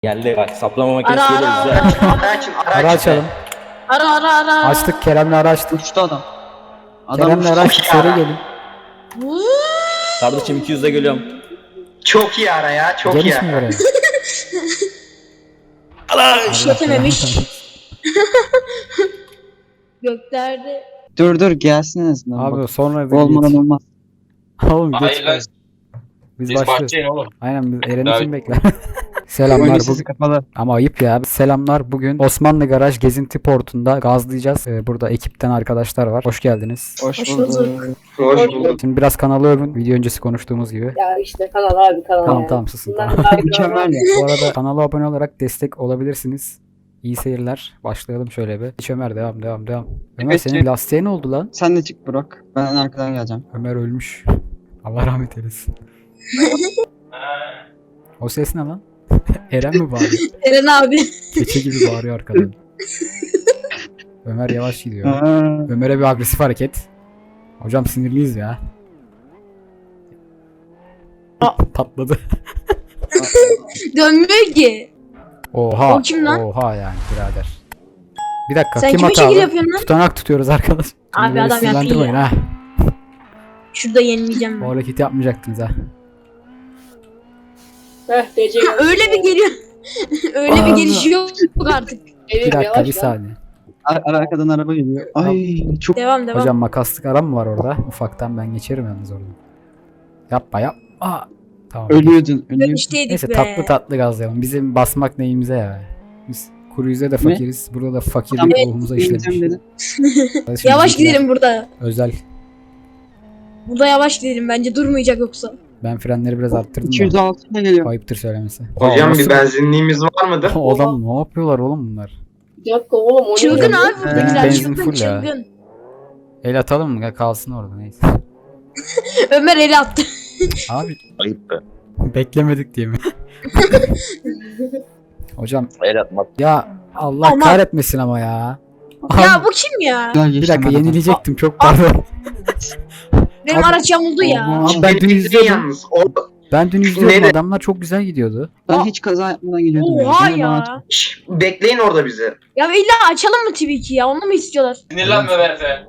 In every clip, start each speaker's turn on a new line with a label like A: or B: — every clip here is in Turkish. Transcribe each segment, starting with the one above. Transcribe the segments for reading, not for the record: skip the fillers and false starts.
A: Geldi bak, saplama makinesi
B: Ara,
A: geliyor
B: ara,
A: bize.
B: ara.
C: Ara açın, ara
D: Ara
C: açın.
D: açalım.
B: Ara.
D: Açtık, Kerem'le ara açtık.
E: Uçtu adam. Adam
D: Kerem'le
E: uçtu.
D: ara açtık,
C: Çok iyi
D: seri
C: ara.
D: gelin.
A: Kardeşim 200'de geliyorum.
C: Çok iyi ara ya, çok iyi
D: Geniş mi
C: ara.
D: görelim?
B: İşletememiş. Göklerde.
E: Dur gelsin en azından.
D: Abi
E: Bak.
D: sonra
E: Bu olmadan olmaz.
D: Oğlum geç
F: Hayır lan,
D: kalın. Biz
F: siz
D: başlıyoruz.
F: bahçeyin oğlum.
D: Aynen, biz Eren'i
F: Davet-
D: kim bekler? Selamlar.
E: Oyunun
D: Bu...
E: sesi kapalı.
D: Ama ayıp ya. Selamlar. Bugün Osmanlı Garaj Gezinti Portu'nda gazlayacağız. Burada ekipten arkadaşlar var. Hoş geldiniz.
E: Hoş
B: Hoş
E: bulduk.
B: bulduk.
C: Hoş bulduk.
D: Şimdi biraz kanalı övün. Video öncesi konuştuğumuz gibi.
G: Ya işte kanal abi kanal
D: Tamam
G: yani.
D: tamam, susun.
G: Bundan
D: Tamam.
G: daha bir kanal.
E: Mükemmel ya.
D: Bu arada kanala abone olarak destek olabilirsiniz. İyi seyirler. Başlayalım şöyle bir. Hiç Ömer devam. Ömer
E: Evet,
D: senin
E: evet.
D: lastiğe ne oldu lan?
E: Sen de çık Burak. Ben arkadan geleceğim.
D: Ömer ölmüş. Allah rahmet eylesin. O ses ne lan? Eren mi bağırıyor?
B: Eren abi.
D: Keçe gibi bağırıyor arkadan. Ömer yavaş gidiyor.
E: Aa,
D: Ömer'e bir agresif hareket. Hocam sinirliyiz ya. Patladı.
B: Dönmüyor ki.
D: Oha.
B: O kim lan?
D: Oha yani birader. Bir dakika,
B: Sen
D: kim
B: kime şekil
D: hatalı?
B: yapıyorsun lan?
D: Tutanak tutuyoruz arkadaş. Şimdi
B: Abi
D: beni
B: adam yapıyor
D: sinirlendirmeyin
B: ya.
D: ha.
B: Şurada yenileyeceğim
D: Bu
B: ben.
D: hareketi yapmayacaktınız ha.
G: Heh DC geldi.
B: Öyle bir geliyor. Öyle bir gelişi yok artık.
D: Bir
G: Evim
D: dakika,
G: yavaş
D: bir
G: lan.
D: saniye.
E: arkadan araba geliyor. Ay çok
B: Devam.
D: Hocam makaslık aram mı var orada? Ufaktan ben geçerim yalnız oradan. Yapma. Tamam.
E: ölüyordun.
B: Dönüşteydik
D: Neyse,
B: be.
D: tatlı gazlayalım. Bizim basmak neyimize ya. Biz kuru yüze de fakiriz. Burada da fakirlik
E: Tamam.
D: ruhumuza işlemiş.
E: Dedi.
D: Kardeşim,
B: Yavaş
D: bizimkiler
B: gidelim burada.
D: Özel.
B: Burada yavaş gidelim, bence durmayacak yoksa.
D: Ben frenleri biraz arttırdım da.
E: 206 ile geliyor.
D: Ayıptır söylemesi.
C: Hocam
D: Nasıl-
C: bir benzinliğimiz var mıdır?
D: Adam ne yapıyorlar oğlum bunlar?
G: Bir dakika oğlum o ne?
B: Çılgın
G: ya?
B: abi buradakiler,
D: Benzin
B: çılgın
D: full ya.
B: çılgın.
D: El atalım mı? Ya kalsın orada, neyse.
B: Ömer eli attı.
D: Abi
A: Ayıp be.
D: beklemedik diye mi? Hocam
A: El atmak.
D: ya Allah
B: Ama-
D: kahretmesin ama ya.
B: Ya bu kim ya?
E: Güzel
D: Bir
E: geçtim
D: dakika,
E: ben adam.
D: yenileyecektim, çok pardon.
B: Benim
D: Abi-
B: araç yamuldu ya.
D: Abi ben dün
C: Benim
D: izliyordum.
C: yalnız. Orada
D: Ben dün izliyordum,
C: Neydi?
D: adamlar çok güzel gidiyordu.
E: Ben hiç kaza yapmadan geliyordum.
B: Oha
E: Yani.
B: ya.
C: Şş, bekleyin orada bizi.
B: Ya illa açalım mı TV2 ya? Onu mu istiyorlar?
F: Sinirlenme Berfe.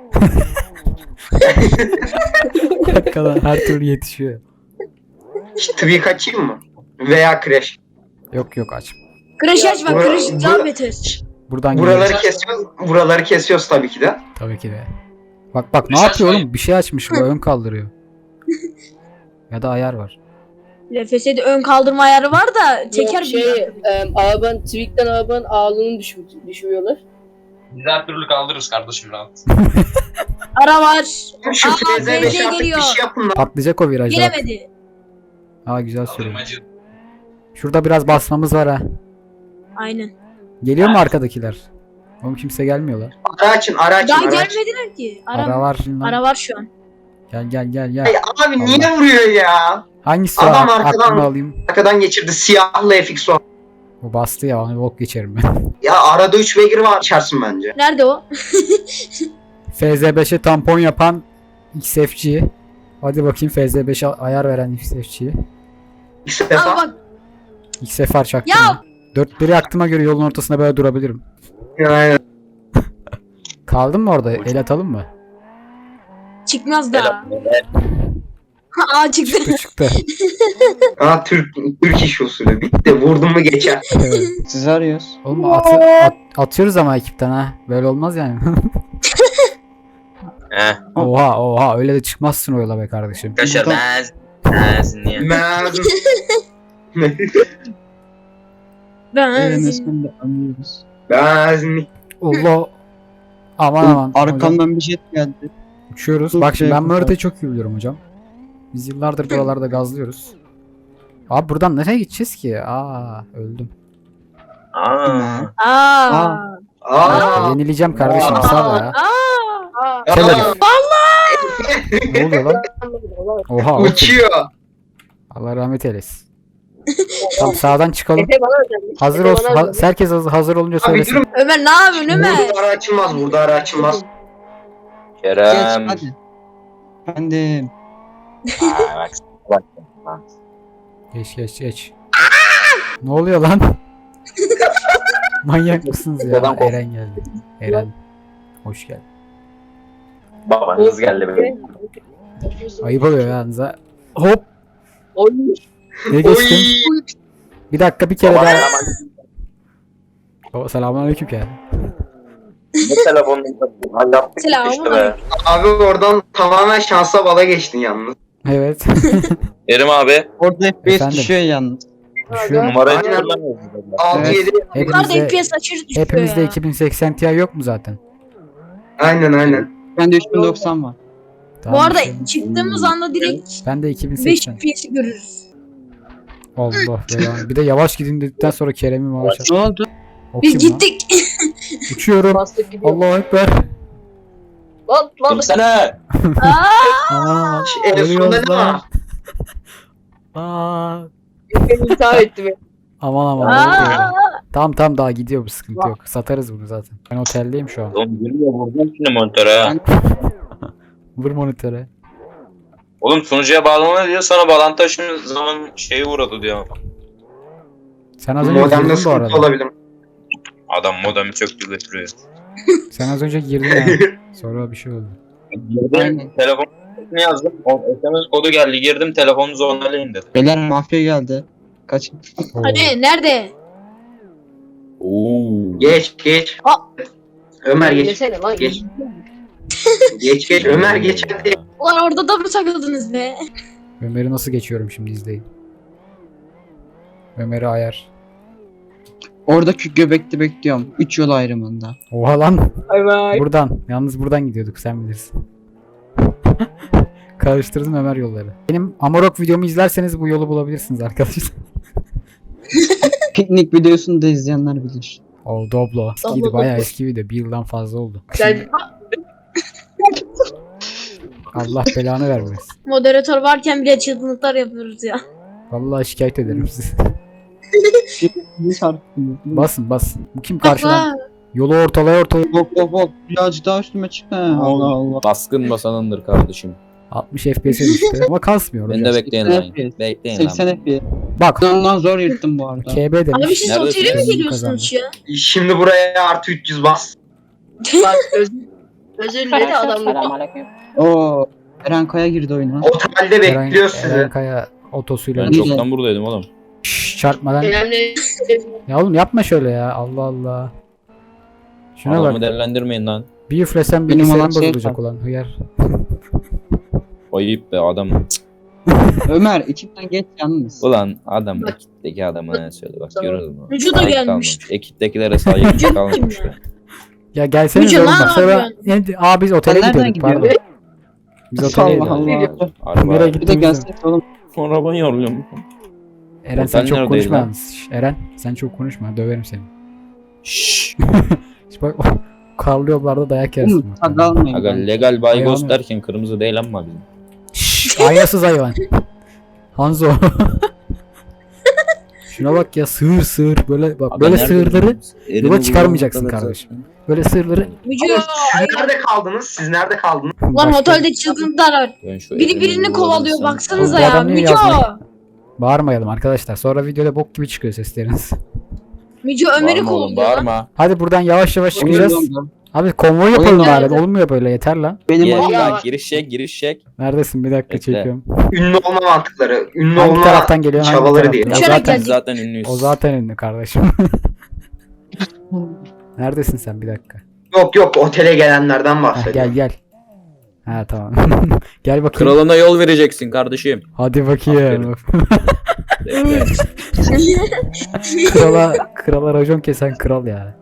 D: Hakikaten her türlü yetişiyor.
C: Tabii kaçayım mı? Veya crash.
D: Yok aç.
B: Crash açma,
C: Bura-
B: Crash
C: bura-
B: daha beter.
D: Buradan
C: Buraları
D: geliyor.
C: kesiyoruz. Buraları kesiyoruz tabii ki de.
D: Tabii ki de. Bak ne
F: Dışarı
D: yapıyor
F: sayın.
D: oğlum? Bir şey açmış, bu ön kaldırıyor. Ya da ayar var.
B: LFS'de ön kaldırma ayarı var da teker
G: Yok, şey, arabanın Tweak'ten arabanın ağırlığını düşürüyorlar.
F: Biz her türlü kaldırırız kardeşim rahat.
B: ara var.
C: Şu
B: Aa,
C: FZ5
B: FZ
C: artık bir
B: geliyor.
C: şey yapın lan.
D: Patlayacak o virajda. bak.
B: Gelemedi.
D: Aa, güzel söylüyor.
F: Kaldırmacı.
D: Şurada biraz basmamız var ha.
B: Aynen.
D: Geliyor mu arkadakiler? Oğlum kimse gelmiyor lan.
C: Ara açın, ara açın,
B: Daha
C: ara açın.
B: gelmediler ki.
D: Ara var.
B: Ara var şu an.
D: Gel.
C: Ay abi niye vuruyor ya?
D: Hangisi
C: Adam
D: o?
C: arkadan-
D: Aklımı alayım.
C: Arkadan geçirdi siyahlı FX o.
D: O bastı ya, onu bok geçerim ben.
C: Ya arada 3 beygir var, içersin bence.
B: Nerede o?
D: FZ5'e tampon yapan XFC. Hadi bakayım FZ5'e ayar veren XFC'yi.
C: İlk
B: Aa
C: defa.
B: bak.
D: XFR çaktım.
B: Ya!
D: Dörtleri yaktığıma göre yolun ortasında böyle durabilirim.
C: Aynen.
D: Kaldın mı orada? El atalım mı?
B: Çıkmaz
A: El
B: daha.
A: atmak.
B: Aa çıktı.
D: Çıktı.
C: Aa Türk iş usulü. Bitti. Vurdum mu geçer.
D: Evet.
E: Sizi arıyoruz.
D: Oğlum atıyoruz ama ekipten ha. Böyle olmaz yani. Oha öyle de çıkmazsın o yola be kardeşim.
A: Kaşar
E: Buradan-
A: benzinliğe.
C: Mezun.
E: Eren
B: Ben.
E: ismini de anlıyoruz.
C: Mezun.
D: Allah. Aman hocam,
E: Arkamdan bir jet geldi.
D: uçuyoruz.
E: Çok
D: Bak şimdi ben
E: şey
D: bu haritayı çok iyi biliyorum hocam. Biz yıllardır buralarda gazlıyoruz. Abi buradan nereye gideceğiz ki? Öldüm.
A: Aa.
B: Aa.
C: Aa.
D: Yenileceğim kardeşim, sal ya.
B: Aa.
D: Kel herif. Ne oluyor lan? Oha.
C: Uçuyor.
D: Allah rahmet eylesin. Tamam, sağdan çıkalım.
G: Efe bana özelmiş.
D: Hazır
G: Efe
D: olsun.
G: bana özelmiş.
D: Herkes hazır olunca
C: Abi
D: söylesin.
C: durun.
B: Ömer ne yapıyorsun Ömer?
C: Burada ara açılmaz. Burada ara açılmaz.
E: Geç
A: Kerem.
E: hadi. Efendim.
A: Aa, bak.
D: Geç. Ne oluyor lan? Manyak mısınız ya?
A: Neden korktun?
D: Eren geldi. Eren. Hoş geldin.
A: Babanız geldi benim.
D: Ayıp oluyor yalnız ha. Hop.
G: Oy.
D: Ne geçtim?
C: Oy.
D: Bir dakika bir kere
A: Baba
D: daha.
A: hemen
D: Selamünaleyküm ya.
A: ne telefonunu hallettik işte
B: Selamun
A: be.
C: Abi oradan tamamen şansa bala geçtin yalnız.
D: Evet.
A: Kerim abi.
E: Orada FPS
D: Efendim?
E: düşüyor yalnız.
D: Düşüyor mu?
A: Numarayı
C: Aynen.
A: hatırlamıyorum.
C: 6-7.
B: Bunlar da
D: Hepimizde,
B: FPS aşırı düşüyor
D: hepimizde
B: ya.
D: 2080 Ti yok mu zaten?
C: Aynen.
E: Bende 3090 var.
B: Bu
D: Tamam,
B: arada
D: şey-
B: çıktığımız anda direkt
D: ben de
B: 5
D: 2080.
B: FPS'i görürüz.
D: Allah belanı. Bir de yavaş gidin dedikten sonra Kerem'i maaş
E: Ne oldu?
B: Biz gittik.
D: Uçuyorum.
G: Bastık gidiyor.
D: Allahu ekber.
G: Lan.
A: Kimsene.
D: Aman.
C: En sonunda
D: Ölüyoruz
C: ne
D: lan.
C: var?
G: Beni intihar etti beni.
D: Aman.
B: Aa!
D: Tamam daha gidiyor, bu sıkıntı yok. Satarız bunu zaten. Ben oteldeyim şu an.
A: Oğlum gülüyor vuracağım şimdi monitöre ha.
D: Vur monitöre.
A: Oğlum sunucuya bağlama diyor sana bağlantı taşıma zaman şeyi uğradı diyor.
D: Sen az önce
C: Modemde
D: girdin bu
C: sıkıntı
D: arada.
C: olabilir.
A: Adam modemi çöktü götürüyor.
D: Sen az önce girdin ya. Sonra bir şey oldu.
A: Girdim telefon ne yazdım? O SMS kodu geldi girdim telefonunuzu onaylayın dedi.
E: Beyler mafya geldi. Kaçın.
D: Oo.
B: Hadi nerede?
A: Oo.
C: Geç.
B: Aa!
C: Ömer geç.
G: Yesene lan.
C: Geç. Geç. Ömer geç hadi.
B: Ulan orada da mı takıldınız be?
D: Ömer'i nasıl geçiyorum şimdi, izleyin. Ömer'i ayar.
E: Oradaki göbekte bekliyorum. 3 yol ayrımında.
D: Oha lan.
G: Bay bay.
D: Buradan. Yalnız buradan gidiyorduk, sen bilirsin. Karıştırdım Ömer yolları. Benim Amarok videomu izlerseniz bu yolu bulabilirsiniz arkadaşlar.
E: Piknik videosunu da izleyenler bilir.
D: O Doblo. Eskiydi, bayağı eski video. Bir yıldan fazla oldu.
G: Sen
D: Allah belanı vermesin.
B: Moderatör varken bile çılgınlıklar yapıyoruz ya.
D: Vallahi şikayet ederim sizi.
E: Ne şarkı?
D: Basın. Bu kim karşıdan?
B: Aa,
D: Yolu ortalaya.
E: Hop. Birazcık daha üstüme çıktı. Allah Allah.
H: Baskın basanındır kardeşim.
D: 60 FPS'e düştü. Ama kasmıyor.
H: Beni
D: hocam.
H: de bekleyin lan. Bekleyin
E: 80
H: lan.
E: FPS.
D: Bak.
E: Ondan zor yırttım bu arada.
D: KB
B: abi
D: demiş.
B: siz
H: Neredesin?
B: otele mi
D: Kazandı.
B: geliyorsunuz ya?
C: Şimdi buraya artı 300 bas.
G: bak özür diledi adamlar.
E: Oo. Eren Kaya girdi oyuna.
C: Otelde bekliyor sizi.
D: Eren Kaya otosuyla.
H: Ben
E: İyi.
H: çoktan buradaydım oğlum.
D: Çarpmadan.
G: Önemli.
D: Ya oğlum yapma şöyle ya. Allah Allah. Şuna
H: Adamı
D: bak.
H: değerlendirmeyin lan.
D: Bir üflesem
E: Benim
D: bilgisayarım
E: olan şey
D: bozulacak
E: var.
D: ulan. Hıyar.
H: Ayıp be adam.
E: Ömer ekipten geç yalnız.
H: Ulan adam ekipteki adamı söyle bak görüyoruz mu?
B: Vücuda
H: Saygı
B: gelmiş.
H: kalmamış. Ekiptekilere saygı kalmamış be.
D: Ya gelseniz
B: Müce,
D: oğlum
B: ne
D: bak. Sonra
B: yapıyorsun?
D: biz otele
E: Sen nereden
D: gidiyorduk pardon.
E: gidiyorsun?
D: Biz otele
E: Allah
D: gidiyorduk.
E: Allah.
D: Nereye
H: Araba.
E: Bir de
D: gittiğimizi.
E: gelsene oğlum.
H: Araban yoruluyorum.
D: Eren sen
H: Otel
D: çok
H: neredeydi
D: konuşma
H: lan?
D: yalnız. Şş, Eren sen çok konuşma. Döverim seni.
H: Şşş.
D: İşte bak karlı yollarda dayak yersin.
E: Oğlum tag almayın.
H: Aga
E: ben.
H: legal baygos
D: Ayağını-
H: derken kırmızı değil ama bizim.
D: Şşş, aynasız hayvan. Hanzo. Şuna bak ya, sığır böyle bak,
H: Aga
D: böyle
H: nerede
D: sığırları
H: buldunuz? Elini
D: yola çıkarmayacaksın
H: bulduğunuz kadar
D: kardeşim.
H: zaten.
D: böyle sığırları
B: Müce
C: Siz nerede kaldınız? Siz nerede kaldınız?
B: lan
D: Başka-
B: otelde çılgınlıklar var.
H: Ben şu
B: Biri
H: elini
B: birini
H: bulamadım
B: kovalıyor
H: sen.
B: baksanıza
D: Bu
B: ya.
D: adam niye
B: Müce
D: yazmıyor? Bağırmayalım arkadaşlar. Sonra videoda bok gibi çıkıyor sesleriniz.
B: Müce Ömer'i
H: Bağırma oğlum
B: kovalıyor lan.
H: bağırma.
D: Hadi buradan yavaş yavaş
E: Oyun
D: çıkacağız.
E: dondu.
D: Abi konvoy yapalım
E: Oyun
D: bari.
G: geldi.
D: Olmuyor böyle, yeter lan.
E: Benim
H: Gel
E: oyun
H: lan giriş çek.
D: Neredesin? Bir dakika
H: Bekle.
D: çekiyorum.
C: Ünlü olma mantıkları. Ünlü
D: Hangi
C: olma
D: taraftan geliyor? Hangi
C: çabaları
D: taraftan?
C: değil.
D: O
B: Uçarak
D: zaten,
B: geldi.
H: Biz zaten ünlüyüz.
D: o zaten ünlü kardeşim. Neredesin sen? Bir dakika.
C: Yok otele gelenlerden
D: Heh,
C: bahsediyorum.
D: gel. Ha tamam. Gel bakayım.
H: Kralına yol vereceksin kardeşim.
D: Hadi bakayım.
H: Bekle.
D: krala racon kesen kral ya.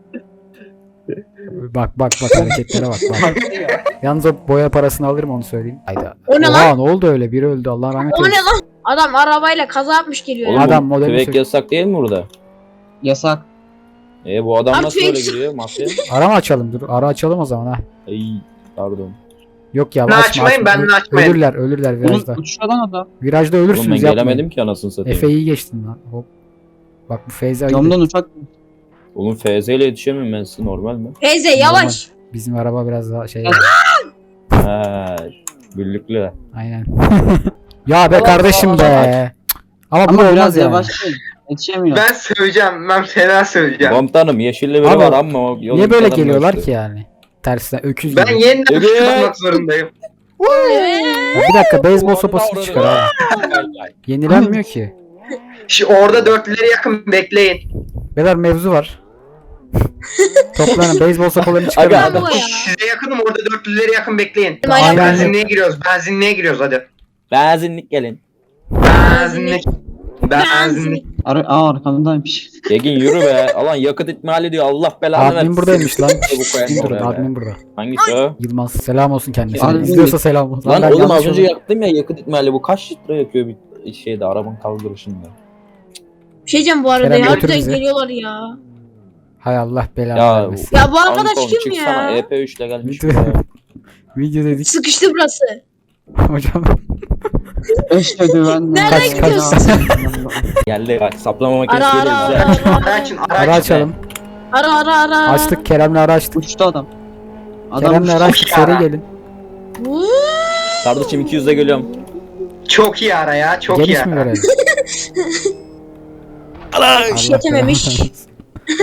D: Bak hareketlere bak. Yalnız o boya parasını alırım, onu söyleyeyim. Hayda.
B: O ne
D: Oha, ne oldu öyle? Biri öldü, Allah rahmet
B: O ne
D: eylesin.
B: lan? Adam arabayla kaza yapmış geliyor
H: Oğlum
B: ya.
D: Adam
H: bu
D: modeli
H: tüfek
D: söyle-
H: yasak değil mi burada?
E: yasak.
H: Bu adam
B: Abi
H: nasıl
B: tüfek-
H: böyle giriyor mafya?
D: Ara mı açalım? Dur, ara açalım o zaman ha.
H: Ay pardon.
D: Yok ya,
C: Ben
D: açma,
C: açmayayım,
D: açma.
C: ben de açmayayım.
D: Ölürler virajda.
E: Oğlum uçuşadan adam.
D: Virajda
H: Oğlum ben
D: ölürsünüz, yapmayın.
H: gelemedim ki anasını satayım.
D: Efe iyi geçtin lan. Hop. Bak bu Feyza iyi.
E: Camdan uçak.
H: Oğlum FZ ile yetişemiyorum ben size normal mi?
B: Teyze yavaş.
D: Bizim araba biraz daha şey.
H: Ha, güllüklü.
D: Aynen. Ya be
G: Allah
D: kardeşim
G: Allah.
D: be. Ama bu
E: Ama
D: olmaz
E: biraz
D: yani.
E: yavaş değil. Yetişemiyor.
C: Ben söyleyeceğim. Ben fena söyleyeceğim.
H: Komutanım yeşilli biri
D: Abi,
H: var ama o yolun
D: Niye böyle
H: kenarında
D: geliyorlar
H: işte.
D: ki yani? Tersine öküz
C: Ben
D: gibi.
C: yeniden
H: Evet.
C: tutmak zorundayım.
D: Ya bir dakika beyzbol
H: Orada
D: sopası
H: orada.
D: çıkar abi. Yenilenmiyor ki.
C: Orada dörtlülere yakın bekleyin.
D: Beyler mevzu var. Toplanın beyzbol sopalarını çıkarın.
H: Aga,
D: abi.
B: Bu ya.
C: Size yakınım, orada dörtlülere yakın bekleyin.
B: Aynen.
C: Benzinliğe giriyoruz. Benzinliğe giriyoruz hadi.
H: Benzinlik gelin.
C: Benzinlik. Benzinlik.
E: Arkamdaymış.
H: Yegin yürü be. Alan yakıt ikmali diyor. Allah belanı versin.
D: Admin buradaymış lan.
H: Bu koyan
D: Admin burada,
H: oraya be.
D: admin burada.
H: Hangisi o?
D: Yılmaz selam olsun kendisine.
E: Admin
D: İzliyorsa selam olsun.
H: Lan
D: ben
H: oğlum
D: yanlış
H: az önce
D: oldum.
H: yaktım ya yakıt ikmali. Bu kaç litre yakıyor bir şeyde arabanın kaldırışında.
B: Bir şey diyeceğim bu arada
D: Kerem
B: ya.
D: götür
B: Harbiden
D: bizi.
B: geliyorlar ya.
D: Hay Allah belanı
H: Ya
D: vermesin.
B: Ya bu arkadaş
H: Anton,
B: kim
H: çıksana,
B: ya?
H: EP3 ile gelmiş.
D: Video-
H: buraya.
D: Video dedik
B: Sıkıştı burası.
D: hocam.
E: Eşhedü ben
B: Nereden
D: Kaç,
B: gidiyorsun?
H: Geldi bak saplama makinesi
B: Ara
H: geliyor
B: ara
H: bize.
B: ara
C: Ara
B: ara.
C: açın,
D: Ara açalım.
B: Ara.
D: Açtık Kerem'le ara açtık.
E: Uçtu adam.
D: Kerem'le ara açtık
C: çok iyi
D: seri
C: ara.
D: gelin.
B: Vuuu.
H: Kardeşim 200'de geliyorum.
C: Çok iyi ara ya. Çok iyi
D: Geniş mi
C: ara.
D: verelim?
H: Allah.
B: İşletememiş.
D: belanı versin.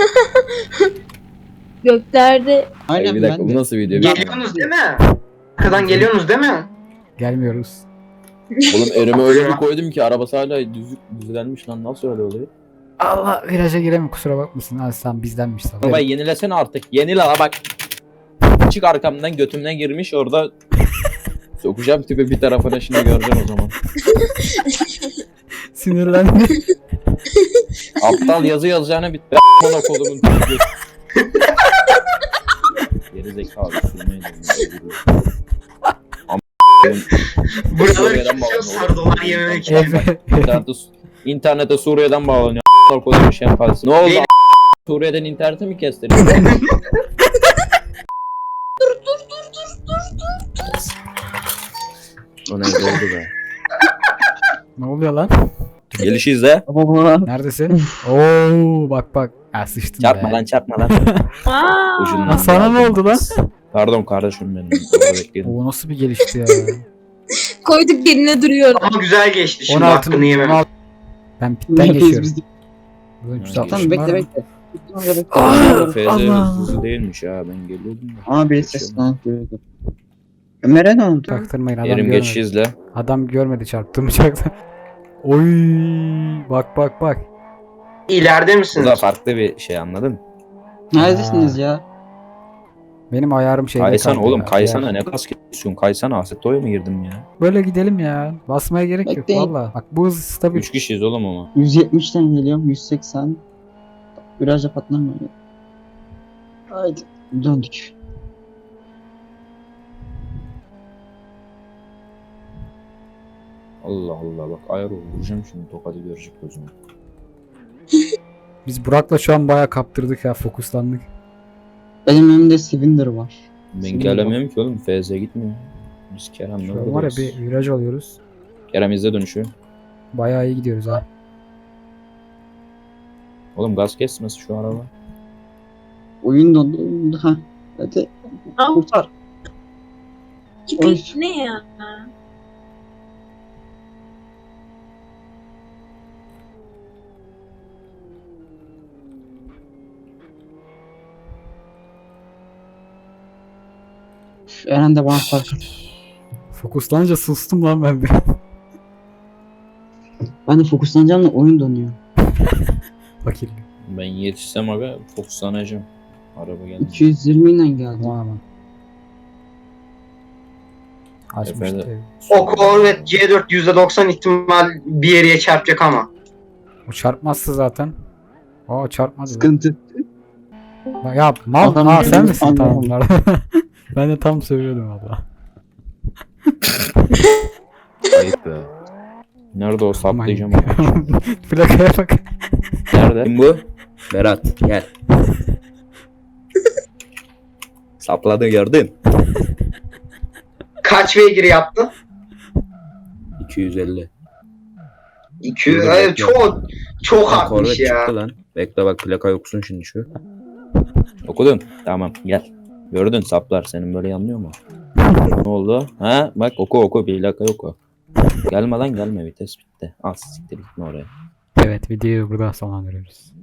B: Göklerde.
E: Aynen
H: Bir dakika
E: ben
H: bu
E: de.
H: nasıl video?
C: Geliyorsunuz değil mi? Arkadan geliyorsunuz değil mi?
D: Gelmiyoruz.
H: Oğlum önüme öyle bir koydum ki arabası hala düzlenmiş lan nasıl öyle oluyor?
D: Allah viraja giremiyor kusura bakmasın. Ha sen bizdenmiş sana.
H: Arabayı yenilesene artık. Yenile la bak. Çık arkamdan götümden girmiş orada. Sokacağım tipi bir tarafına şimdi göreceksin o zaman.
D: Sinirlendi.
H: Aptal yazı yazacağına bir bana kolumun tipi. Geri zekalı sürmeyin.
C: Buraları
H: Suriye'den
C: kesiyor,
H: bağlanıyor.
C: sardolar yememek için.
D: Efe.
H: İnternete Suriye'den bağlanıyor. A**lar koymuş şey yaparsın. Ne oldu?
C: Benim-
H: Suriye'den internete mi kestirdin? O neydi oldu be?
D: Ne oluyor lan?
H: Gelişi izle.
E: Baba.
D: Neredesin? Oo bak. Ha sıçtın
H: Çarpma
D: be.
H: lan çarpma lan.
B: Aa.
H: Ucundan.
D: Lan sana ne oldu lan?
H: Pardon kardeşim benim. Orada bekledim.
D: O nasıl bir gelişti ya?
B: Koyduk yerine duruyor.
C: Ama güzel geçti şimdi
D: 16
C: hakkını yemem.
D: 16. Ben pitten
E: Neredeyiz
D: geçiyorum.
E: biz?
D: Buradan
H: Tamam,
D: 360
E: Tamam
D: var
E: bekle
D: mı?
E: bekle.
H: FZ
D: Allah.
H: hızlı değilmiş ha ben geliyordum da.
E: Ama bir ses lan duyuyordu. Ömer'e ne oldu?
D: Taktırmayın adam
H: Yerim
D: görmedi.
H: geçişi izle.
D: Adam görmedi çarptığım uçakta. Oy bak.
C: İleride
H: Bu
C: misiniz?
H: da farklı bir şey anladın?
E: Neredesiniz ya?
D: Benim ayarım şeyde
H: Kaysana
D: kaldı
H: oğlum
D: ya.
H: kaysana
D: Ayar.
H: ne kas kesiyorsun kaysana Assetto'ya mı girdim ya?
D: Böyle gidelim ya. Basmaya gerek yok
E: Bekleyin.
D: valla. Bak bu hız stabil.
H: 3 kişiyiz oğlum ama.
E: 170'ten geliyorum. 180. Viraja patlamıyor. Haydi. Döndük.
H: Allah Allah bak ayar vuracağım şimdi tokadı görecek gözüme.
D: Biz Burak'la şu an bayağı kaptırdık ya fokuslandık.
E: Benim önümde Cylinder var.
H: Ben gelemiyorum ki oğlum FZ gitmiyor. Biz Kerem'le
D: Şu an var ya
H: buradayız.
D: bir viraj alıyoruz.
H: Kerem izle dönüşü.
D: Bayağı iyi gidiyoruz ha.
H: Oğlum gaz kesmesi şu araba.
E: Oyun dondu. Ha. Hadi.
B: Al.
E: Kurtar.
B: Tipi ne ya?
E: Eren de bana fark et.
D: Fokuslanınca sustum lan ben bir.
E: Ben de fokuslanacağım da oyun donuyor.
D: Bakayım.
H: Ben yetişsem aga fokuslanacağım. Araba geldi.
E: 220 ile geldi.
D: Aman. Açmıştı.
H: Efendim?
C: O Corvette C4 %90 ihtimal bir yere çarpacak ama.
D: O çarpmazsa zaten. O çarpmadı.
E: Sıkıntı.
D: Bak ya mal.
E: Adam
D: Aa sen misin?
E: anlamadım.
D: Tamam. Ben de tam söylüyordum abla.
H: Ayıp be. Nerede o saplayacağım
D: Aman.
H: onu.
D: Plakaya bak.
H: Nerede? Kim bu? Berat gel. Sapladı gördün.
C: Kaç beygir yaptı?
H: 250.
C: 200.
H: Dur,
C: Ay,
H: bekle.
C: çok
H: Bak,
C: artmış
H: Corvette
C: ya.
H: çıktı lan. Bekle bak plaka yoksun şimdi şu. Okudun. Tamam gel. Gördün saplar senin böyle yanlıyor mu? Ne oldu? Ha bak oku plaka yok o. Gelme lan gelme vites bitti. Az siktir gitme oraya.
D: Evet videoyu burada sonlandırıyoruz.